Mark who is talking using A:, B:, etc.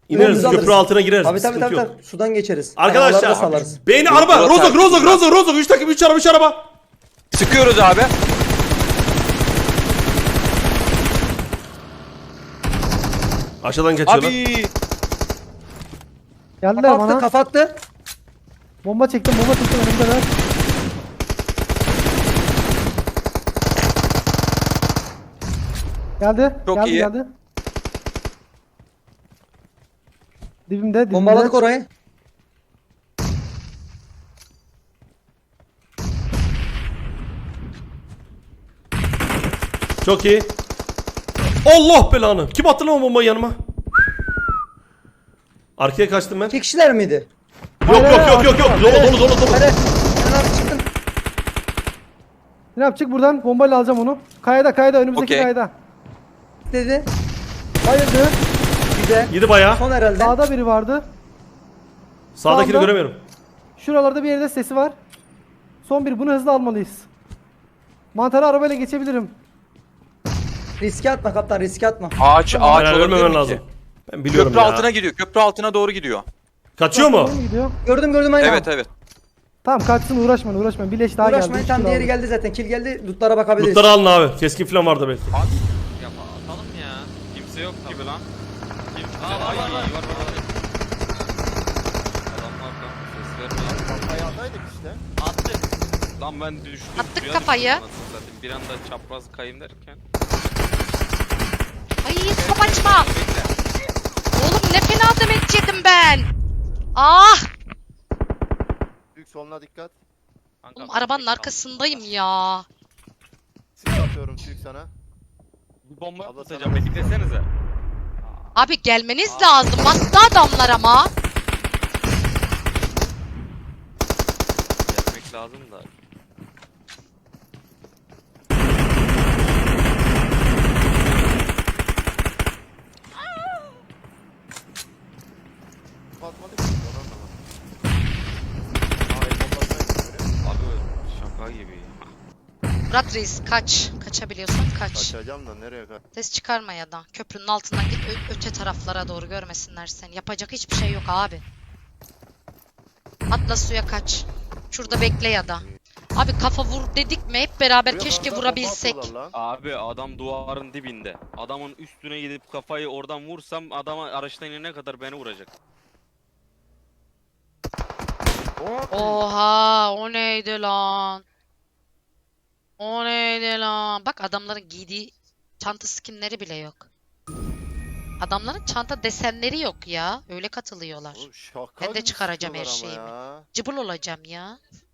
A: İneriz
B: Önümüzü
A: köprü
B: alırız.
A: altına gireriz.
B: Abi
A: bir
B: tabii
A: sıkıntı
B: tabii
A: yok.
B: tabii. Sudan geçeriz. Arabaları da
A: Arkadaşlar
B: salarız.
A: beyni araba rozok 3 takım 3 araba 3 araba.
C: Sıkıyoruz abi.
A: Aşağıdan kaçıyorlar.
C: Abi.
D: Geldiler
B: Kafa attı
D: bana.
B: kafa attı.
D: Bomba çektim önümdeler. Geldi.
C: Çok
D: geldi,
C: iyi.
D: Geldi. Dibimde.
B: Bombaladık orayı.
A: Çok iyi. Allah belanı. Kim attı lan o bombayı yanıma? Arkaya kaçtım ben.
B: 2 kişiler miydi?
A: Yok. Dolu.
B: Hadi. Sen abi çıktın.
D: Ne yapacak buradan? Bombayla alacağım onu. Kayada önümüzdeki
C: Okey.
D: kayada.
B: Dedi.
D: Hayırdır?
B: Güzel.
A: Yedi bayağı.
B: Son herhalde.
D: Sağda biri vardı.
A: Sağdakini
D: Sağda.
A: göremiyorum.
D: Şuralarda bir yerde sesi var. Son bir. Bunu hızlı almalıyız. Mantarı arabayla geçebilirim.
B: Riske atma kaptan riske atma.
C: Ağaç
A: Aynen,
C: olabilir
A: ölmemen
C: mi
A: lazım.
C: ki?
A: Ben biliyorum
C: Köprü
A: ya.
C: altına gidiyor. Köprü altına doğru gidiyor.
A: Kaçıyor mu?
D: Doğru gidiyor?
B: Gördüm aynen.
C: Evet.
D: Tamam kaçsın uğraşmayın. Bir leş daha geldi.
B: Uğraşmayın
D: Üç
B: tam
D: kilo
B: diğeri
D: aldık.
B: geldi zaten. Kill geldi. Lootlara bakabiliriz.
A: Lootları alın abi. Keskin falan vardı belki.
E: Ya atalım ya. Kimse yok gibi lan. Kimse. Ay var. Adamlar da ses vermiyor.
F: Ayağındaydık işte.
E: Attık. Lan ben düştüm.
G: Attık
E: suya
G: kafayı.
E: düştüm anasını satayım. Bir anda çapraz kayayım derken.
G: Ay top açma. Oğlum ne fena demet yedim ben. Ah.
F: Büyük soluna dikkat.
E: Kanka,
G: Oğlum arabanın arkasındayım ya.
F: Sis atıyorum Türk sana.
E: Bir bomba
F: Abla
E: atacağım.
F: sana-
E: Beklesenize.
G: Abi gelmeniz lazım. Bastı adamlar ama.
E: Gelmek lazım da.
F: Patmadık mı? Onu anlamadım. Aa, el bombasına gitti.
E: Abi şaka gibi.
G: Murat Reis kaç. Kaçabiliyorsan kaç.
F: Kaçacağım da nereye kaç?
G: Ses çıkarma ya da. Köprünün altından git öte taraflara doğru görmesinler seni. Yapacak hiçbir şey yok abi. Atla suya kaç. Şurada bekle ya da. Abi kafa vur dedik mi hep beraber
F: Buraya
G: keşke
F: bomba
G: vurabilsek.
F: atıyorlar lan.
E: Abi adam duvarın dibinde. Adamın üstüne gidip kafayı oradan vursam adama araçtan inene kadar beni vuracak.
G: Oha o neydi lan? O neydi lan? Bak adamların giydiği çanta skinleri bile yok. Adamların çanta desenleri yok ya. Öyle katılıyorlar.
F: Oğlum şaka
G: Ben de
F: gibi
G: çıkaracağım her
F: sıkıyorlar ama
G: şeyimi.
F: ya.
G: Cıbıl olacağım ya.